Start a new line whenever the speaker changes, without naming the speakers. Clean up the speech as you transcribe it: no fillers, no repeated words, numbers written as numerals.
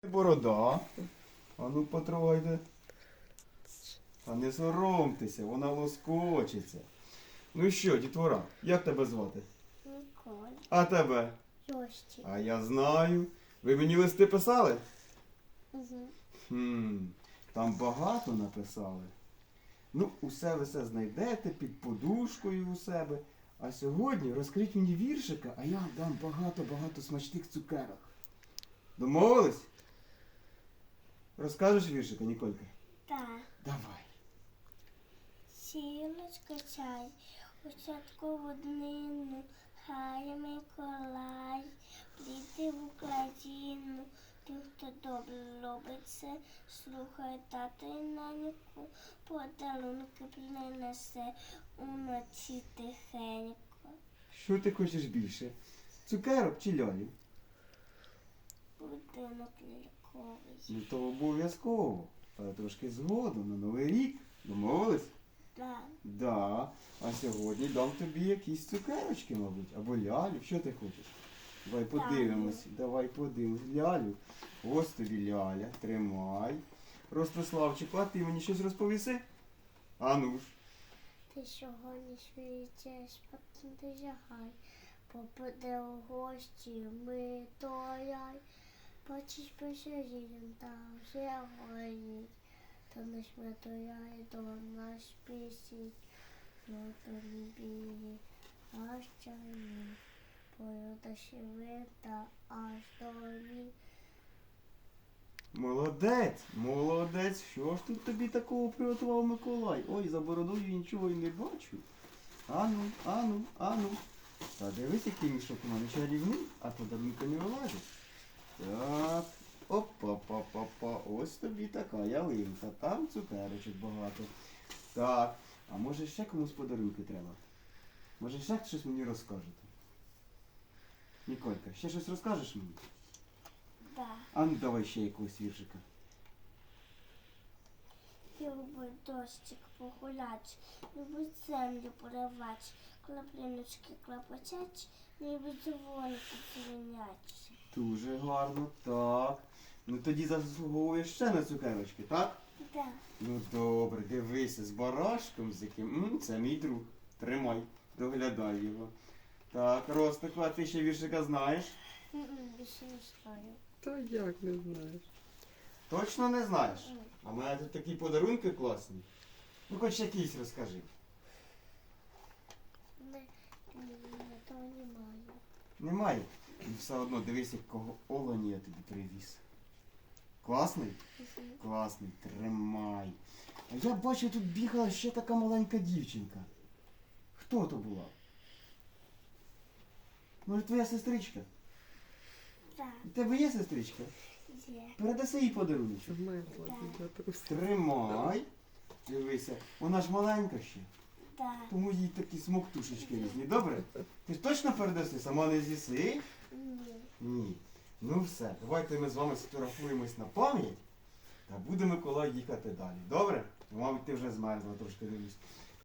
Борода. А ну потрогайте. Та не соромтеся, вона лоскочиться. Ну що, дітвора, як тебе звати?
Ніколь.
А тебе?
Йості.
А я знаю. Ви мені листи писали?
Угу.
Там багато написали. Ну, усе ви все знайдете під подушкою у себе. А сьогодні розкрить мені віршика, а я вам дам багато-багато смачних цукерок. Домовились? Розкажеш віршика, Ніколька?
Так.
Давай.
Сілочка чай, у святкову днину, хай Миколай, прийти в Україну. Ті, хто добре робить це, слухай тата і наньку, подарунки принесе уночі тихенько.
Що ти хочеш більше? Цукерок чи лялі?
Будинок ляльковий.
Ну то обов'язково. Але трошки згодом на Новий рік. Домовились?
Так.
Да. А сьогодні дам тобі якісь цукерочки, мабуть, або лялю. Що ти хочеш? Давай подивимось. Давай подивимось. Лялю. Ось тобі ляля. Тримай. Ростиславчику, а ти мені щось розповіси? А ну ж.
Ти сьогодні свічеш, потім ти жагай, попаде у гості Миколай. Бачиш, пише жінь, там все горить, то наш Миколай до нас пісить, ну то не білі, аж чайні, порода шевита, аж долі.
Молодець, молодець. Що ж тут тобі такого приготував Миколай? Ой, за бородою нічого й не бачу. Ану, ану, ану. Та дивись, який мішок у мене чарівний, а подарунка не вилазить. Так, опа-па-па-па. Ось тобі така ялинка. Там цукерочок багато. Так, а може ще комусь подарунки треба? Може ще щось мені розкажете? Ніколька, ще щось розкажеш мені?
Да.
А ну давай ще якогось віршика.
Любить дощик погулять, любить землю поривать, краплиночки клапотять, любить дзвоники дзвонять.
Дуже гарно, так. Ну тоді заслуговуєш ще на цукерочки, так?
Да.
Ну добре, дивися, з барашком, з яким. Це мій друг. Тримай, доглядай його. Так, Ростику, а ти ще віршика знаєш?
Більше не знаю.
Та як не знаєш?
Точно не знаєш? А в мене тут такі подарунки класні. Ну хоч якийсь розкажи.
Того немає.
Немає? І все одно дивись, якого олені я тобі привіз. Класний? Класний, тримай. А я бачу, тут бігала ще така маленька дівчинка. Хто то була? Може, твоя сестричка?
Так,
У тебе є сестричка?
є.
Передаси їй подарунок.
Мерзла для трусів.
Тримай. Дивися, вона ж маленька ще,
Так.
тому їй такі смоктушечки різні. Добре? Ти ж точно передаси? Сама не з'їси?
Ні.
Ні. Ну все, давайте ми з вами сфотографуємось на пам'ять та буде Миколай їхати далі. Добре? Мабуть, ти вже змерзла, трошки дивлюсь.